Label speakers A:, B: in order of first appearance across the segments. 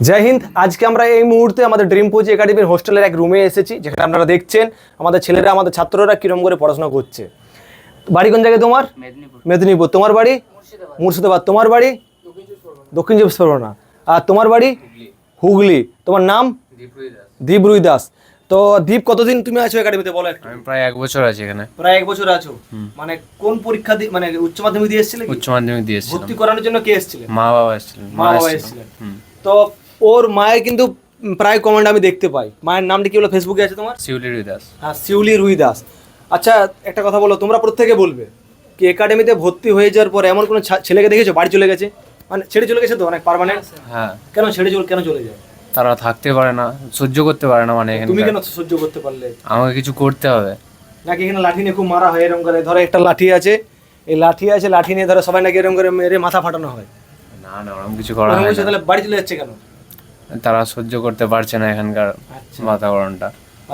A: জয় হিন্দ। আজকে আমরা এই মুহূর্তে আমাদের ড্রিম কোচ একাডেমির হোস্টেলের এক রুমে এসেছি, যেখানে আপনারা দেখছেন আমাদের ছেলেরা, আমাদের ছাত্ররা কিরম করে পড়াশোনা করছে। বাড়ি কোন জায়গায় তোমার? মেদিনীপুর। তোমার বাড়ি? মুর্শিদাবাদ। তোমার বাড়ি? দক্ষিণ চব্বিশ পরগনা। আর তোমার বাড়ি? হুগলি। তোমার নাম? দীপ রুই দাস। তো দীপ, কতদিন তুমি আছো একাডেমিতে বলো একটু?
B: আমি প্রায় 1 বছর আছি এখানে।
A: প্রায় 1 বছর আছো। মানে কোন পরীক্ষা দিয়ে, মানে উচ্চ মাধ্যমিক দিয়ে এসেছিলে?
B: উচ্চ মাধ্যমিক দিয়েছিলাম।
A: ভর্তি করানোর জন্য কে এসেছিলেন?
B: মা বাবা এসেছিলেন।
A: মা বাবা এসেছিলেন। তো ওর মায়ের কিন্তু প্রায় কমেন্ট আমি দেখতে পাই। মায়ের নামটা কি হলো, ফেসবুকে আছে তোমার?
B: শিউলি রুই দাস।
A: হ্যাঁ, শিউলি রুই দাস। আচ্ছা, একটা কথা বলো, তোমরা প্রত্যেকে বলবে কি একাডেমিতে ভর্তি হয়ে যাওয়ার পর এমন কোনো ছেলেকে দেখেছো বাড়ি চলে গেছে, মানে ছেড়ে চলে গেছে তো অনেক পার্মানেন্ট?
B: হ্যাঁ।
A: কেন চলে যায়?
B: তারা থাকতে পারে না, সহ্য করতে পারে না। মানে
A: তুমি কেন সহ্য করতে পারলে?
B: আমাকে কিছু করতে হবে
A: নাকি এখানে লাঠি নিয়ে খুব মারা হয় এরকম করে? ধরো একটা লাঠি আছে, এই লাঠি নিয়ে ধরো সবাই নাকি এরকম করে মেরে মাথা ফাটানো হয়।
B: না না, ওরকম কিছু করা হয় না।
A: তাহলে বাড়ি চলে যাচ্ছে কেন?
B: তারা সহ্য করতে পারছে না এখানকার বাতাবরণটা।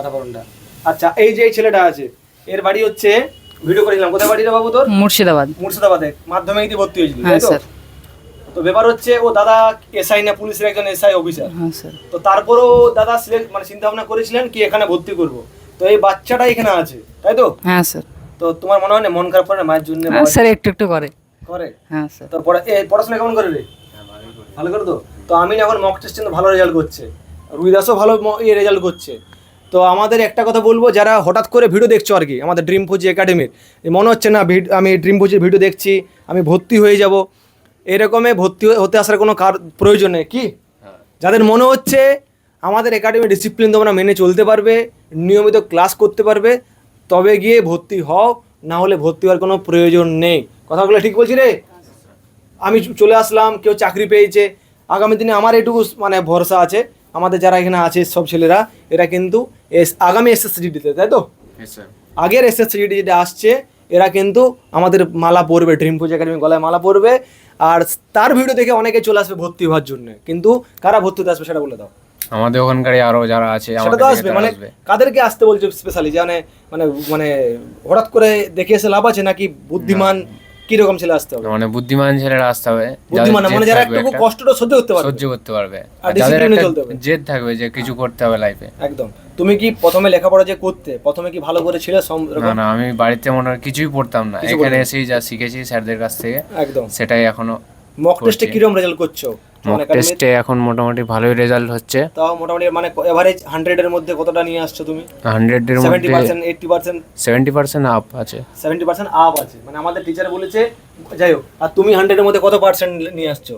A: আচ্ছা, এই যে এই ছেলেটা আছে, এর বাড়ি হচ্ছে, ভিডিও করেছিলাম, কোথায় বাড়ি রে বাবু তোর? মুর্শিদাবাদে মাধ্যমিক দিয়ে ভর্তি হয়েছিল, তাই তো? তো ব্যাপার হচ্ছে, ও দাদা এসআই না, পুলিশের একজন এসআই অফিসার। তো তারপরও দাদা মানে চিন্তা ভাবনা করেছিলেন কি এখানে ভর্তি করব। তো এই বাচ্চাটা এখানে আছে, তাই তো?
C: হ্যাঁ স্যার।
A: তো তোমার মনে হয় না মন খারাপ করে না মায়ের জন্য?
C: স্যার একটু একটু করে। হ্যাঁ স্যার।
A: তো পড়াশোনা কেমন করে রে? ভালো করে তো? তো আমি এখন মক টেস্টে ভালো রেজাল্ট করছে, রুইদাসও ভালো রেজাল্ট করছে। তো আমাদের একটা কথা বলবো, যারা হঠাৎ করে ভিডিও দেখছো আর কি আমাদের ড্রিম কোচ একাডেমির, মনে হচ্ছে না আমি ড্রিম কোচের ভিডিও দেখছি, আমি ভর্তি হয়ে যাব, এরকমে ভর্তি হতে আসার কোনো প্রয়োজন নেই কি? যাদের মনে হচ্ছে আমাদের একাডেমির ডিসিপ্লিন তোমরা মেনে চলতে পারবে, নিয়মিত ক্লাস করতে পারবে, তবে গিয়ে ভর্তি হও, না হলে ভর্তি হওয়ার কোনো প্রয়োজন নেই। কথাগুলো ঠিক বলছি রে? আমি চলে আসলাম, কেউ চাকরি পেয়েছে, আগামী দিনে আমার এটুকু মানে ভরসা আছে, আমাদের যারা এখানে আছে সব ছেলেরা, এরা কিন্তু আগামী এসএসসিডিতে, তাই তো? আগের এসএসসিডি যেটা আসছে, এরা কিন্তু আমাদের মালা পরবে, ড্রিম কোচ একাডেমি গলায় মালা পরবে, আর তার ভিডিও দেখে অনেকে চলে আসবে ভর্তি হওয়ার জন্য। কিন্তু কারা ভর্তি হতে আসবে সেটা বলে দাও।
B: আমাদের ওখানকারই আরো যারা আছে
A: সেটা তো আসবে, মানে কাদেরকে আসতে বলছো স্পেশালি? মানে মানে মানে হঠাৎ করে দেখে এসে লাভ আছে নাকি? বুদ্ধিমান কিরকম ছেলে আসতে হবে?
B: মানে বুদ্ধিমান ছেলেরা আসতে হবে,
A: বুদ্ধিমান মানে যারা একটু কষ্টটা সহ্য করতে পারবে,
B: আর যাদের একটা জেদ থাকবে যে কিছু করতে হবে লাইফে।
A: একদম। তুমি কি প্রথমে লেখাপড়া যে করতে, প্রথমে কি ভালো করে ছিলে?
B: না না, আমি বাড়িতে মনে হয় কিছুই পড়তাম না, এখানে এসেই যা শিখেছি স্যারদের কাছ থেকে,
A: একদম
B: সেটাই এখনো।
A: মক টেস্টে কিরকম রেজাল্ট করছো?
B: মক টেস্টে এখন মোটামুটি ভালোই রেজাল্ট হচ্ছে।
A: তাও মোটামুটি মানে এভারেজ 100 এর মধ্যে কতটা নিয়ে আসছো তুমি?
B: 100 এর মধ্যে
A: 70%, 80%?
B: 70% আপ আছে।
A: 70% আপ আছে, মানে আমাদের টিচার বলেছে। যাই হোক, আর তুমি 100 এর মধ্যে কত পার্সেন্ট নিয়ে আসছো?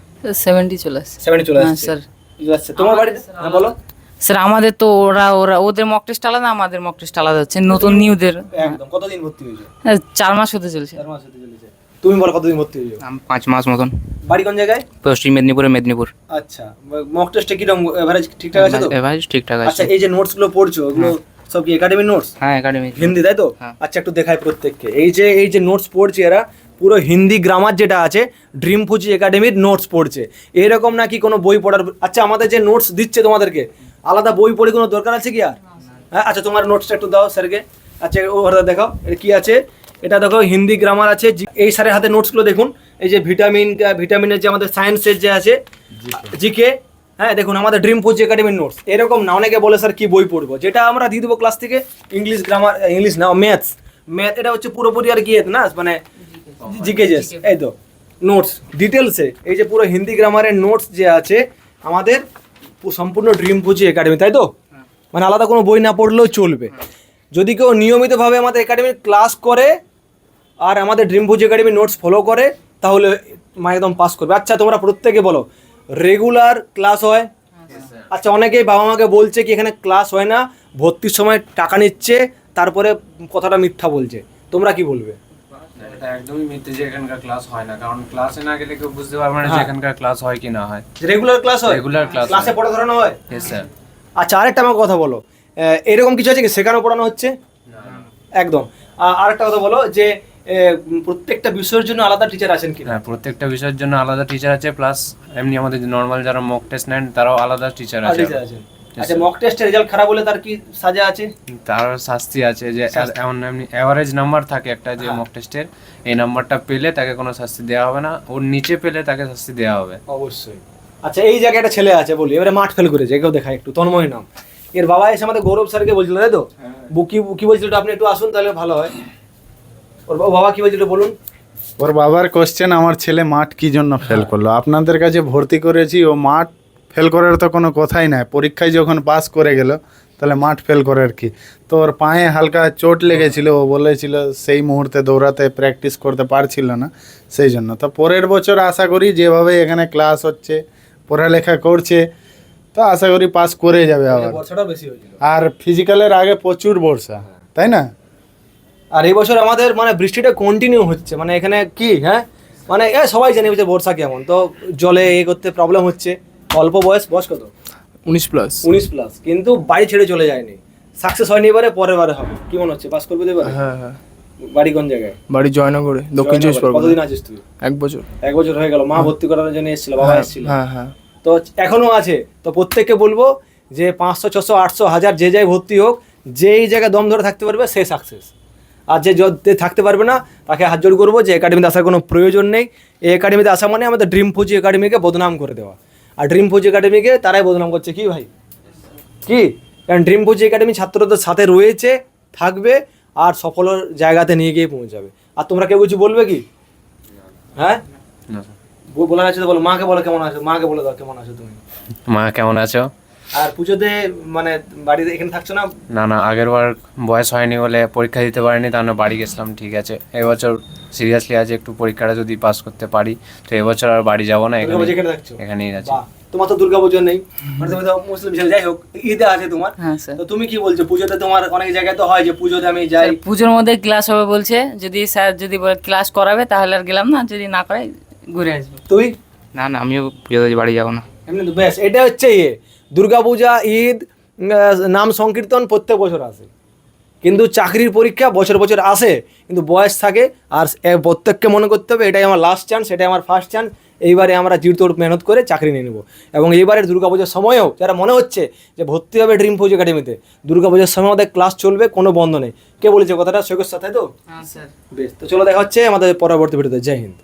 C: 70 চলে আসছে।
A: 70 চলে আসছে
C: স্যার।
A: তোমার বাড়ি? হ্যাঁ বলো
C: স্যার, আমাদের তো ওরা ওদের মক টেস্ট আলাদা, আমাদের মক টেস্ট আলাদা হচ্ছে নতুন নিউদের।
A: একদম। কতদিন ভর্তি হয়েছে?
C: 4 মাস হতে চলছে।
A: 4 মাস হতে চলেছে। তুমি বলো কতদিন ভর্তি হয়েছো?
D: 5 মাস মতন।
A: বাড়ি কোন জায়গায়?
D: পশ্চিম মেদিনীপুর।
A: আচ্ছা, মক টেস্টে কিরকম এভারেজ ঠিকঠাক আছে তো?
D: এভারেজ ঠিকঠাক আছে।
A: আচ্ছা, এই যে নোটস গুলো পড়ছো, ওগুলো সব কি একাডেমির নোটস?
D: হ্যাঁ, একাডেমি
A: হিন্দি, তাই তো? আচ্ছা, একটু দেখাই প্রত্যেককে। এই যে নোটস পড়ছে এরা, পুরো হিন্দি গ্রামার যেটা আছে, ড্রিম কোচ একাডেমির নোটস পড়ছে। এরকম নাকি কোনো বই পড়ার? আচ্ছা, আমাদের যে নোটস দিচ্ছে তোমাদেরকে, আলাদা বই পড়ে কোনো দরকার আছে কি আর? হ্যাঁ, আচ্ছা, তোমার নোটসটা একটু দাও স্যারকে। আচ্ছা, ওটা দেখাও, এটা কি আছে? এটা দেখো, হিন্দি গ্রামার আছে। এই স্যারের হাতে নোটসগুলো দেখুন, এই যে ভিটামিনের যে আমাদের সায়েন্সের যে আছে, জিকে। হ্যাঁ, দেখুন আমাদের ড্রিম কোচ একাডেমির নোটস। এরকম না, অনেকে বলে স্যার কি বই পড়বো, যেটা আমরা দিয়ে দেবো ক্লাস থেকে। ইংলিশ গ্রামার, ইংলিশ না, ম্যাথ, এটা হচ্ছে পুরোপুরি আর কি না, মানে জিকে জেস। এই তো নোটস ডিটেলসে, এই যে পুরো হিন্দি গ্রামারের নোটস যে আছে আমাদের সম্পূর্ণ ড্রিম কোচ একাডেমি, তাই তো? মানে আলাদা কোনো বই না পড়লেও চলবে, যদি কেউ নিয়মিতভাবে আমাদের একাডেমির ক্লাস করে আর আমাদের ড্রিম কোচ একাডেমির নোটস ফলো করে, তাহলে একদম পাস করবে। আচ্ছা, তোমরা প্রত্যেকে বলো, রেগুলার ক্লাস হয়? আচ্ছা, অনেকেই বাবা মাকে বলছে কি এখানে ক্লাস হয় না, ভর্তির সময় টাকা নিচ্ছে, তারপরে কথাটা মিথ্যা বলছে। তোমরা কি বলবে?
B: এটা একদমই মিথ্যে যে এখানকার ক্লাস হয় না, কারণ ক্লাসে না গেলে কেউ বুঝতে পারবে না যে এখানকার ক্লাস হয় কি না হয়।
A: রেগুলার ক্লাস হয়?
B: রেগুলার
A: ক্লাসে পড়া ধরানো হয়?
B: Yes sir.
A: আচ্ছা, আরেকটা আমার কথা বলো, এরকম কিছু আছে কি শেখানো পড়ানো হচ্ছে? একদম। আরেকটা কথা বলো যে প্রত্যেকটা বিষয়ের জন্য আলাদা টিচার আছেন কি?
B: হ্যাঁ, প্রত্যেকটা বিষয়ের জন্য আলাদা টিচার আছে, প্লাস এমনি আমাদের নরমাল যারা মক টেস্ট নেন তারাও আলাদা টিচার আছে।
A: আচ্ছা, মক টেস্টের রেজাল্ট খারাপ হলে তার কি সাজা আছে?
B: তার শাস্তি আছে, যে এমন এমনি এভারেজ নাম্বার থাকে একটা, যে মক টেস্টের এই নাম্বারটা পেলে তাকে কোনো শাস্তি দেওয়া হবে না, ওর নিচে পেলে তাকে শাস্তি দেওয়া হবে
A: অবশ্যই। আচ্ছা এই জায়গায় একটা ছেলে আছে বলি, এবারে মাঠ ফেল করেছে, একেও দেখায় একটু, তন্ময় নাম। এর বাবা এসে আমাদের গৌরব স্যারকে বলছিল, তাই তো? কি বলছিল আপনি একটু আসুন তাহলে ভালো হয়। ওর বাবা কি বলছিল বলুন।
E: ওর বাবার কোশ্চেন, আমার ছেলে মাঠ কি জন্য ফেল করলো? আপনাদের কাছে ভর্তি করেছি, ও মাঠ ফেল করার তো কোনো কথাই নাই। পরীক্ষায় যখন পাস করে গেল তাহলে মাঠ ফেল করার কি? তো ওর পায়ে হালকা চোট লেগেছিল, ও বলেছিল সেই মুহূর্তে দৌড়াতে প্র্যাকটিস করতে পারছিল না, সেই জন্য। তো পরের বছর আশা করি যেভাবে এখানে ক্লাস হচ্ছে, পড়ালেখা করছে, তো আশা করি পাস করে যাবে আবার।
A: বর্ষাটাও বেশি হয়েছিল।
E: আর ফিজিক্যালের আগে প্রচুর বর্ষা, তাই না?
A: আর এই বছর আমাদের মানে বৃষ্টিটা কন্টিনিউ হচ্ছে, মানে এখানে কি হ্যাঁ মানে সবাই জানে যে বর্ষা কেমন, তো জলে করতে প্রবলেম হচ্ছে। অল্প বয়স কত? 19+, কিন্তু বাড়ি ছেড়ে চলে যায়নি, সাকসেস হয়নি এবারে, পরের বারে হবে। কি মনে হচ্ছে পাস করবে তো এবারে?
F: হ্যাঁ।
A: বাড়ি কোন জায়গায়?
F: বাড়ি জয়নগরে, দক্ষিণ চব্বিশ পরগনা।
A: কতদিন আছিস তুই?
F: 1 বছর।
A: 1 বছর হয়ে গেল। মা ভর্তি করার জন্য এসেছিল, বাবা এসেছিল?
F: হ্যাঁ।
A: তো এখনো আছে। তো প্রত্যেককে বলবো যে 500, 600, 800, 1000 যে যাই ভর্তি হোক, যেই জায়গায় দম ধরে থাকতে পারবে সে সাকসেস। আর যে থাকতে পারবে না তাকে হাত জোড় করবো যে একাডেমিতে আসার কোনো প্রয়োজন নেই। এই একাডেমিতে আসা মানে আমাদের ড্রিম ফুজি একাডেমিকে বদনাম করে দেওয়া। আর ড্রিম ফুজি একাডেমিকে তারাই বদনাম করছে, কি ভাই? কি? কারণ ড্রিম ফুজি একাডেমি ছাত্রদের সাথে রয়েছে, থাকবে, আর সফল জায়গাতে নিয়ে গিয়ে পৌঁছাবে। আর তোমরা কেউ কিছু বলবে কি? হ্যাঁ বলার আছে তো বলো। মাকে বলো কেমন আছো, মাকে বলে দাও কেমন আছো তুমি।
B: মা কেমন আছো?
A: আর পুজোতে মানে বাড়িতে এখানে থাকছো না?
B: না আগের বার বয়স হয়নি বলে পরীক্ষা দিতে পারিনি, তার জন্য বাড়ি গেছিলাম। ঠিক আছে, এবছর সিরিয়াসলি আছে, একটু পরীক্ষাটা যদি পাস করতে পারি তো এবছর আর বাড়ি যাবো না,
A: দুর্গাপুজো এখানে থাকছো?
B: এখানেই আছি।
A: বাহ, তোমার তো দুর্গাপুজো নেই, মানে তুমি তো মুসলিম ছেলে, যাই হোক ঈদে আছে তোমার।
C: হ্যাঁ স্যার।
A: তো তুমি কি বলছো পুজোতে? তোমার অনেক জায়গায় তো হয় যে পুজোতে আমি যাই।
C: স্যার, পুজোর মধ্যে ক্লাস হবে বলছে, যদি স্যার যদি বলে ক্লাস করাবে তাহলে আর গেলাম না, যদি না করায় ঘুরে আসবো।
A: তুই?
D: না আমিও পুজোতে বাড়ি যাবো না।
A: এমনি তো বেশ, এটা হচ্ছে দুর্গাপূজা, ঈদ, নাম সংকীর্তন প্রত্যেক বছর আসে, কিন্তু চাকরির পরীক্ষা বছর বছর আসে, কিন্তু বয়স থাকে। আর প্রত্যেককে মনে করতে হবে এটাই আমার লাস্ট চান্স, এটাই আমার ফার্স্ট চান্স। এইবারে আমরা জিরতোড় মেহনত করে চাকরি নিয়ে নেবো। এবং এইবারের দুর্গাপূজার সময়ও যারা মনে হচ্ছে যে ভর্তি হবে ড্রিম ফুজি একাডেমিতে, দুর্গাপূজার সময় আমাদের ক্লাস চলবে, কোনো বন্ধ নেই। কে বলেছে কথাটা? সৈকত স্যার, তাই তো?
C: হ্যাঁ স্যার।
A: বেশ, তো চলো দেখা হচ্ছে আমাদের পরবর্তী ভিডিওতে। জয় হিন্দ।